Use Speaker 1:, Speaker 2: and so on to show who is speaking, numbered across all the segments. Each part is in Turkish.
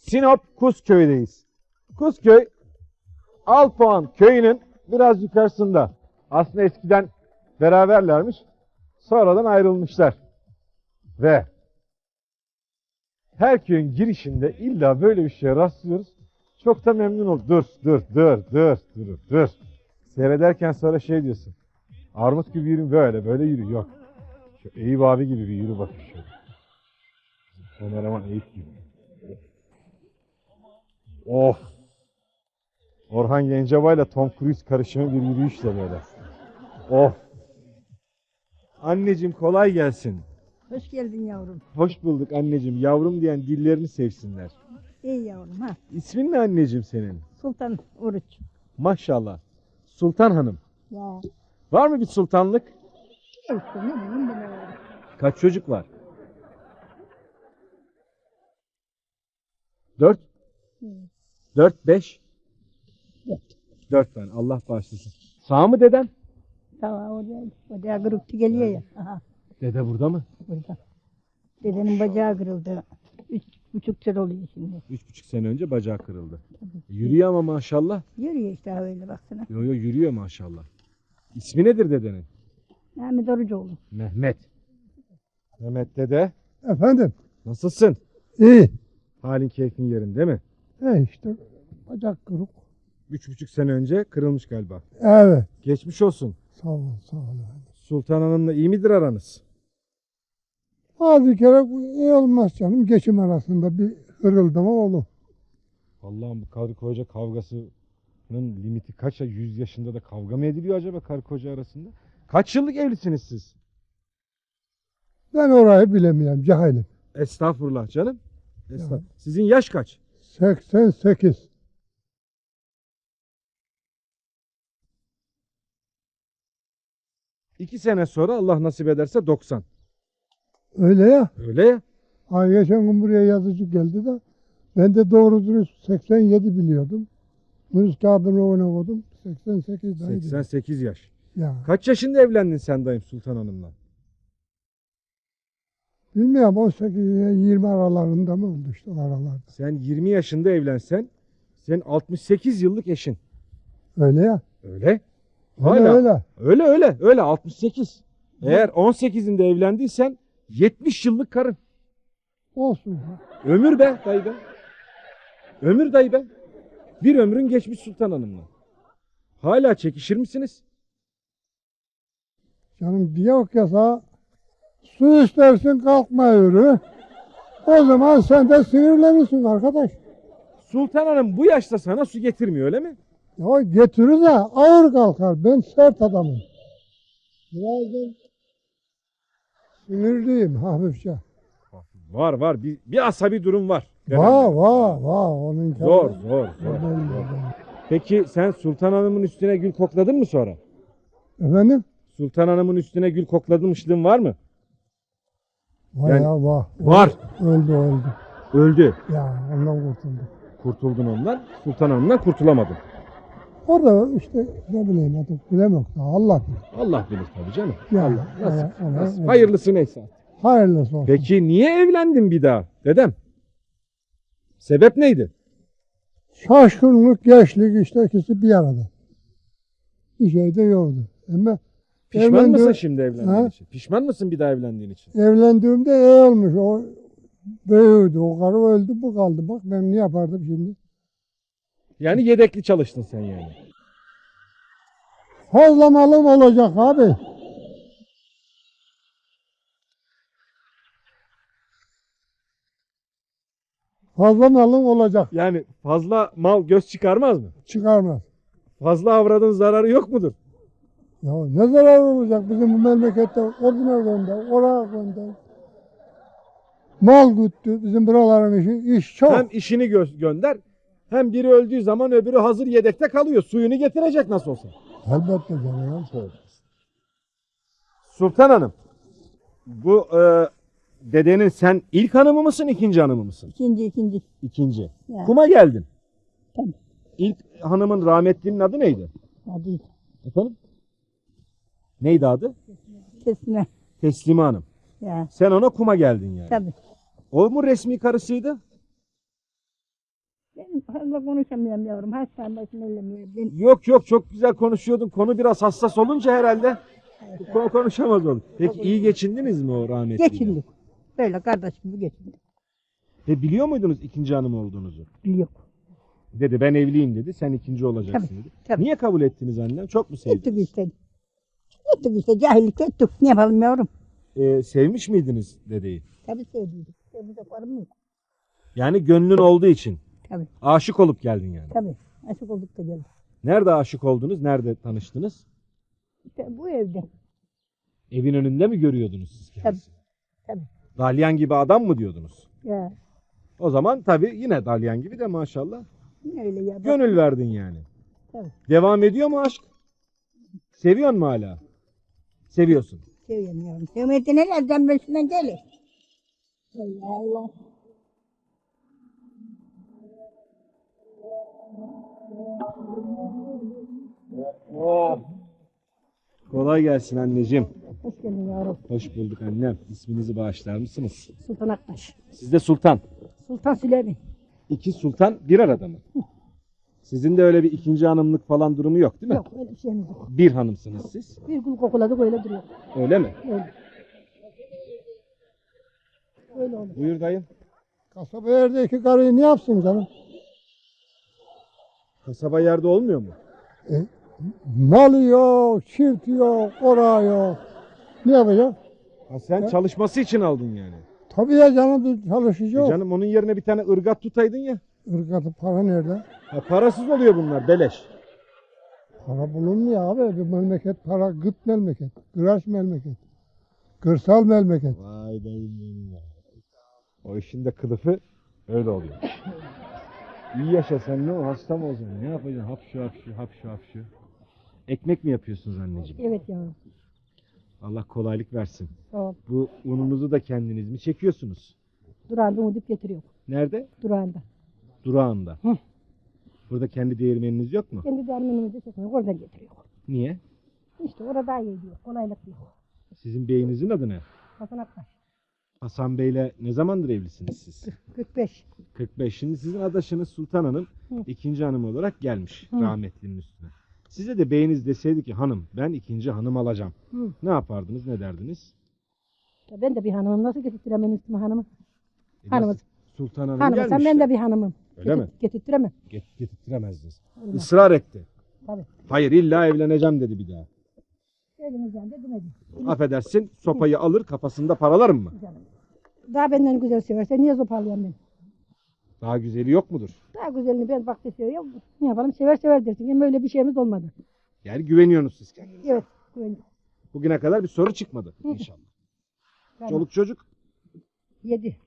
Speaker 1: Sinop Kuzköy'deyiz. Kuzköy, Alpuan köyünün biraz yukarısında. Aslında eskiden beraberlermiş. Sonradan ayrılmışlar. Ve her köyün girişinde illa böyle bir şeye rastlıyoruz. Çok da memnun oldum. Dur. Seyrederken sonra şey diyorsun. Armut gibi yürü, böyle yürü. Yok. Şu Eyüp abi gibi bir yürü bakayım şöyle. Kameraman Eyüp gibi. Of. Orhan Gencebay ile Tom Cruise karışımı bir yürüyüşle böyle. Of. Anneciğim kolay gelsin.
Speaker 2: Hoş geldin yavrum.
Speaker 1: Hoş bulduk anneciğim. Yavrum diyen dillerini sevsinler.
Speaker 2: İyi yavrum ha.
Speaker 1: İsmin ne anneciğim senin?
Speaker 2: Sultan Oruç.
Speaker 1: Maşallah. Sultan Hanım.
Speaker 2: Ya.
Speaker 1: Var mı bir sultanlık?
Speaker 2: İşte ne bileyim ben öyle.
Speaker 1: Kaç çocuk var? 4?
Speaker 2: Hı.
Speaker 1: 4, 5?
Speaker 2: Dört.
Speaker 1: 4 tane. Allah bağışlasın. Sağ mı deden?
Speaker 2: Tamam oraya kırıktı geliyor ya. Aha
Speaker 1: Dede burada mı?
Speaker 2: burada. Dedenin bacağı kırıldı. 3,5 sene oluyor şimdi.
Speaker 1: 3,5 sene önce bacağı kırıldı. Yürüyor ama maşallah.
Speaker 2: Yürüyor işte öyle baksana.
Speaker 1: Yo yürüyor maşallah. İsmi nedir dedenin?
Speaker 2: Mehmet Orucoğlu.
Speaker 1: Mehmet. Mehmet dede.
Speaker 3: Efendim?
Speaker 1: Nasılsın?
Speaker 3: İyi.
Speaker 1: Halin keyfin yerinde mi?
Speaker 3: İşte bacak kırık.
Speaker 1: 3,5 sene önce kırılmış galiba.
Speaker 3: Evet.
Speaker 1: Geçmiş olsun.
Speaker 3: Sağ ol, sağ ol.
Speaker 1: Sultan Hanım'la iyi midir aranız?
Speaker 3: Bazı kere iyi olmaz canım. Geçim arasında bir hırıldama olur.
Speaker 1: Allah'ım bu karı koca kavgasının limiti kaç ya? 100 yaşında da kavga mı ediliyor acaba karı koca arasında? Kaç yıllık evlisiniz siz?
Speaker 3: Ben orayı bilemiyorum, cahilim.
Speaker 1: Estağfurullah canım. Estağfurullah.
Speaker 3: Ya.
Speaker 1: Sizin yaş kaç?
Speaker 3: 88.
Speaker 1: İki sene sonra Allah nasip ederse 90.
Speaker 3: Öyle ya.
Speaker 1: Öyle ya.
Speaker 3: Ay geçen gün buraya yazıcı geldi de ben de doğru dürüst 87 biliyordum. Nüfus kağıdını ona koydum. 88 daydı.
Speaker 1: 88 yaş.
Speaker 3: Ya.
Speaker 1: Kaç yaşında evlendin sen dayım Sultan Hanım'la?
Speaker 3: Bilmiyorum 18 ile 20 aralarında mı oldu işte o aralarda.
Speaker 1: Sen 20 yaşında evlensen senin 68 yıllık eşin.
Speaker 3: Öyle ya.
Speaker 1: Öyle.
Speaker 3: Öyle öyle.
Speaker 1: Öyle 68. Eğer 18'inde evlendiysen 70 yıllık karın.
Speaker 3: Olsun.
Speaker 1: Ömür be dayı be. Ömür dayı be. Bir ömrün geçmiş Sultan Hanım'la. Hala çekişir misiniz?
Speaker 3: Canım diyor ki sana su istersin kalkma yürü. O zaman sen de sinirlenirsin arkadaş.
Speaker 1: Sultan Hanım bu yaşta sana su getirmiyor öyle mi?
Speaker 3: Ya getirir de ağır kalkar. Ben sert adamım. Birazdan sinirliyim hafifçe.
Speaker 1: Var. Bir asabi durum var.
Speaker 3: Var. Onun
Speaker 1: Zor.
Speaker 3: Belli.
Speaker 1: Peki sen Sultan Hanım'ın üstüne gül kokladın mı sonra?
Speaker 3: Efendim?
Speaker 1: Sultan Hanım'ın üstüne gül kokladırmışlığın var mı?
Speaker 3: Var
Speaker 1: Yani-
Speaker 3: ya var.
Speaker 1: Var.
Speaker 3: Öldü.
Speaker 1: Öldü.
Speaker 3: Ya ondan kurtuldum.
Speaker 1: Kurtuldun ondan. Sultan Hanım'dan kurtulamadın.
Speaker 3: Orada işte ne bileyim artık bilemem. Allah bilir.
Speaker 1: Allah bilir tabii canım.
Speaker 3: Ya,
Speaker 1: Allah nasip.
Speaker 3: ona-
Speaker 1: Nasip. Hayırlısı neyse.
Speaker 3: Hayırlısı olsun.
Speaker 1: Peki niye evlendin bir daha dedem? Sebep neydi?
Speaker 3: Şaşkınlık, gençlik işte ikisi bir arada. Bir şey de yoktu. Ama
Speaker 1: Pişman
Speaker 3: evlendi-
Speaker 1: mısın şimdi evlendiğin
Speaker 3: Ha?
Speaker 1: için? Pişman mısın bir daha evlendiğin için?
Speaker 3: evlendiğimde iyi olmuş. O büyüdü. O karı öldü bu kaldı. Bak ben ne yapardım şimdi?
Speaker 1: Yani yedekli çalıştın sen yani.
Speaker 3: Fazla malım olacak abi. Fazla malım olacak.
Speaker 1: Yani fazla mal göz çıkarmaz mı?
Speaker 3: Çıkarmaz.
Speaker 1: Fazla avradın zararı yok mudur?
Speaker 3: Ya ne zarar olacak bizim bu memlekette? Oduna gönder, oraya gönder. Mal güttü. Bizim buraların iş çok.
Speaker 1: Hem işini gönder hem biri öldüğü zaman öbürü hazır yedekte kalıyor. Suyunu getirecek nasıl olsa.
Speaker 3: Elbette canım.
Speaker 1: Sultan Hanım, bu dedenin sen ilk hanımı mısın, ikinci hanımı mısın?
Speaker 2: İkinci.
Speaker 1: İkinci.
Speaker 2: Ya.
Speaker 1: Kuma geldin.
Speaker 2: Tabii.
Speaker 1: İlk hanımın rahmetlinin adı neydi?
Speaker 2: Hadi
Speaker 1: Efendim? Neydi adı?
Speaker 2: kesme.
Speaker 1: Teslime Hanım.
Speaker 2: Ya
Speaker 1: Sen ona kuma geldin yani.
Speaker 2: tabii.
Speaker 1: O mu resmi karısıydı?
Speaker 2: Ben fazla konuşamıyorum yavrum. Hastane başına ellemiyorum. Ben
Speaker 1: Yok yok, çok güzel konuşuyordun. Konu biraz hassas olunca herhalde konuşamaz oldun. Peki iyi geçindiniz mi o rahmetliyle?
Speaker 2: geçindik. Böyle kardeş gibi geçindik.
Speaker 1: Ve biliyor muydunuz ikinci hanım olduğunuzu?
Speaker 2: Yok.
Speaker 1: Dedi ben evliyim dedi. Sen ikinci olacaksın
Speaker 2: Tabii,
Speaker 1: dedi.
Speaker 2: tabii.
Speaker 1: Niye kabul ettiniz annem? Çok mu sevdiniz?
Speaker 2: Ettik işte. Ettik işte. Cahillik ettik. Ne yapalım yavrum?
Speaker 1: Sevmiş miydiniz dedeyi?
Speaker 2: Tabii sevdiydik. Sevdiydik var mı?
Speaker 1: Yani gönlün olduğu için.
Speaker 2: Tabii.
Speaker 1: Aşık olup geldin yani.
Speaker 2: Tabii. Aşık olduk da geldik.
Speaker 1: Nerede aşık oldunuz? Nerede tanıştınız?
Speaker 2: İşte bu evde.
Speaker 1: Evin önünde mi görüyordunuz siz kendisini?
Speaker 2: Tabii.
Speaker 1: Dalyan gibi adam mı diyordunuz?
Speaker 2: Ya
Speaker 1: O zaman tabii yine dalyan gibi de maşallah.
Speaker 2: öyle ya. Bak,
Speaker 1: Gönül verdin yani.
Speaker 2: Tabii.
Speaker 1: Devam ediyor mu aşk? Seviyor mu hala? Seviyorsun.
Speaker 2: seviyorum yavrum. Sevmedi nelerden başından gelir. Allah Allah.
Speaker 1: Kolay gelsin anneciğim.
Speaker 2: Hoş geldin yavrum.
Speaker 1: Hoş bulduk annem. İsminizi bağışlar mısınız?
Speaker 2: Sultan Aktaş.
Speaker 1: Siz de Sultan.
Speaker 2: Sultan Süleyman.
Speaker 1: İki sultan bir arada mı? Sizin de öyle bir ikinci hanımlık falan durumu yok değil mi?
Speaker 2: Yok öyle bir şeyimiz yok.
Speaker 1: Bir hanımsınız siz.
Speaker 2: Bir gün kokuladık öyle duruyor.
Speaker 1: Öyle mi?
Speaker 2: Öyle. Öyle olur.
Speaker 1: Buyur dayım.
Speaker 3: Kasaba yerdeki karıyı ne yapsın canım?
Speaker 1: Kasaba yerde olmuyor mu?
Speaker 3: Malı yok, çift yok, orağı yok. Ne yapacak?
Speaker 1: Ha sen çalışması için aldın yani.
Speaker 3: Tabii ya canım çalışacak.
Speaker 1: Canım onun yerine bir tane ırgat tutaydın ya.
Speaker 3: Irgatı para nerede?
Speaker 1: Ha, parasız oluyor bunlar beleş.
Speaker 3: Para bulunmuyor abi. Bir memleket para gıt memleket. Kıraç memleket. Kırsal memleket.
Speaker 1: Vay dayım benim ya. O işin de kılıfı öyle oluyor. İyi yaşa sen, ne o, hasta mı olacaksın? Ne yapacaksın? Hapşu hapşu hapşu hapşu. Ekmek mi yapıyorsunuz anneciğim?
Speaker 2: Evet yavrum.
Speaker 1: Allah kolaylık versin.
Speaker 2: Sağ ol.
Speaker 1: Bu ununuzu da kendiniz mi çekiyorsunuz?
Speaker 2: Durağında umuduk getiriyor.
Speaker 1: Nerede?
Speaker 2: Durağında.
Speaker 1: Durağında.
Speaker 2: Hı.
Speaker 1: Burada kendi değirmeniniz yok mu?
Speaker 2: Kendi dermenimizi çekmiyor. Oradan getiriyor.
Speaker 1: Niye?
Speaker 2: İşte orada daha iyi diyor. Kolaylık diyor.
Speaker 1: Sizin beyinizin adı ne?
Speaker 2: Hasan Aktaş.
Speaker 1: Hasan Bey'le ne zamandır evlisiniz siz?
Speaker 2: 45.
Speaker 1: 45. Şimdi sizin adaşınız Sultan Hanım
Speaker 2: Hı.
Speaker 1: ikinci hanım olarak gelmiş
Speaker 2: Hı.
Speaker 1: rahmetlinin üstüne. Size de beyiniz deseydi ki hanım ben ikinci hanım alacağım.
Speaker 2: Hı.
Speaker 1: Ne yapardınız, ne derdiniz?
Speaker 2: Ya ben de bir hanımım. Nasıl getirtiremem üstüme hanımı? Hanımız.
Speaker 1: Nasıl? Sultan Hanım
Speaker 2: Hanımı sen
Speaker 1: gelmiş.
Speaker 2: ben de bir hanımım.
Speaker 1: Öyle mi?
Speaker 2: Getirtiremem.
Speaker 1: Getirtiremezdiniz.
Speaker 2: Olmaz.
Speaker 1: Israr etti.
Speaker 2: Tabii.
Speaker 1: Hayır illa evleneceğim dedi bir daha.
Speaker 2: Elimizden de demedi.
Speaker 1: Affedersin sopayı alır kafasında paralarım mı?
Speaker 2: Canım. Daha benden güzel severse niye zopalayayım ben?
Speaker 1: Daha güzeli yok mudur?
Speaker 2: Daha güzelini ben bak seviyorum. Ne yapalım sever sever dersin. Ama öyle bir şeyimiz olmadı.
Speaker 1: Yani güveniyorsunuz siz kendinize.
Speaker 2: Evet. Güvenli.
Speaker 1: Bugüne kadar bir soru çıkmadı
Speaker 2: Hı.
Speaker 1: inşallah.
Speaker 2: Tamam.
Speaker 1: Çoluk çocuk
Speaker 2: 7.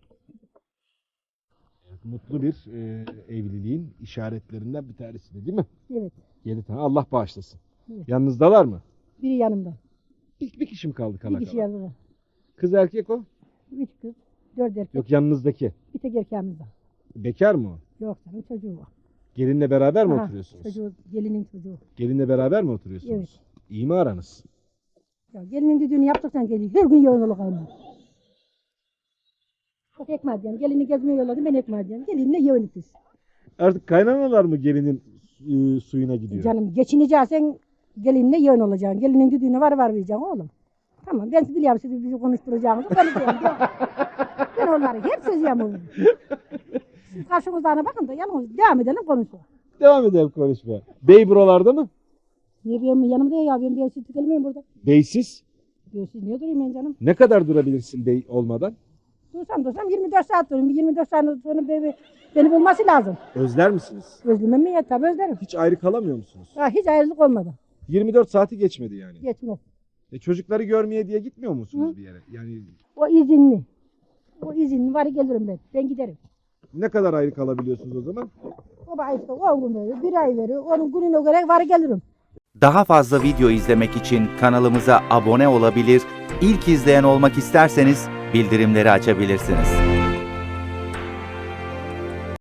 Speaker 1: mutlu bir evliliğin işaretlerinden bir tanesi de değil mi?
Speaker 2: Evet.
Speaker 1: 7 tane, Allah bağışlasın.
Speaker 2: Evet.
Speaker 1: Yanınızdalar mı?
Speaker 2: Biri yanımda.
Speaker 1: Bir kişi mi kaldı kala
Speaker 2: Bir kişi
Speaker 1: kala?
Speaker 2: yanımda.
Speaker 1: Kız erkek o?
Speaker 2: 3 kız. 4 erkek.
Speaker 1: Yok yanınızdaki.
Speaker 2: Bir tek erkeğimiz var.
Speaker 1: Bekar mı o?
Speaker 2: Yok canım çocuğu var.
Speaker 1: Gelinle beraber mi
Speaker 2: Aha,
Speaker 1: oturuyorsunuz?
Speaker 2: Çocuğu, gelinin çocuğu.
Speaker 1: Gelinle beraber mi oturuyorsunuz?
Speaker 2: Evet.
Speaker 1: İyi mi aranız?
Speaker 2: Ya gelinin düdüğünü yaptıktan geliyor. Her gün yoğun olur kaynıyor. Çok ekmeğe diyeyim. Gelini gezmeye yolladım ben ekmeğe diyeyim. Gelinle yoğun biz.
Speaker 1: Artık kaynanalar mı gelinin suyuna gidiyor?
Speaker 2: Canım geçineceksen gelinle yoğun olacaksın. Gelinin düdüğüne var vereceksin oğlum. Tamam ben biliyorum sizi bizi konuşturacağınızı konuşuyorum. Ben onları hep sözüyorum. Siz karşımızdana bakın da yalnız devam edelim konuşalım.
Speaker 1: Devam edelim konuşmaya. Bey buralarda mı?
Speaker 2: Niye benim yanımda ya ben bir evsiz gelmeyeyim burada.
Speaker 1: Beysiz.
Speaker 2: Bir evsiz niye durayım ben canım?
Speaker 1: Ne kadar durabilirsin bey olmadan?
Speaker 2: Dursam 24 saat durayım. Bir 24 saat sonra beni bulması lazım.
Speaker 1: Özler misiniz?
Speaker 2: Özlemem mi ya? Tabii özlerim.
Speaker 1: Hiç ayrı kalamıyor musunuz?
Speaker 2: Ha, hiç ayrılık olmadı.
Speaker 1: 24 saati geçmedi yani.
Speaker 2: Geçmez.
Speaker 1: Çocukları görmeye diye gitmiyor musunuz
Speaker 2: Hı.
Speaker 1: bir yere? Yani
Speaker 2: O izinli. O izinli var gelirim ben. Ben giderim.
Speaker 1: ne kadar ayrı kalabiliyorsunuz o zaman?
Speaker 2: O bana işte 10 gün veriyor. Bir ay veriyor. Onun gününe göre var gelirim.
Speaker 4: Daha fazla video izlemek için kanalımıza abone olabilir, ilk izleyen olmak isterseniz bildirimleri açabilirsiniz.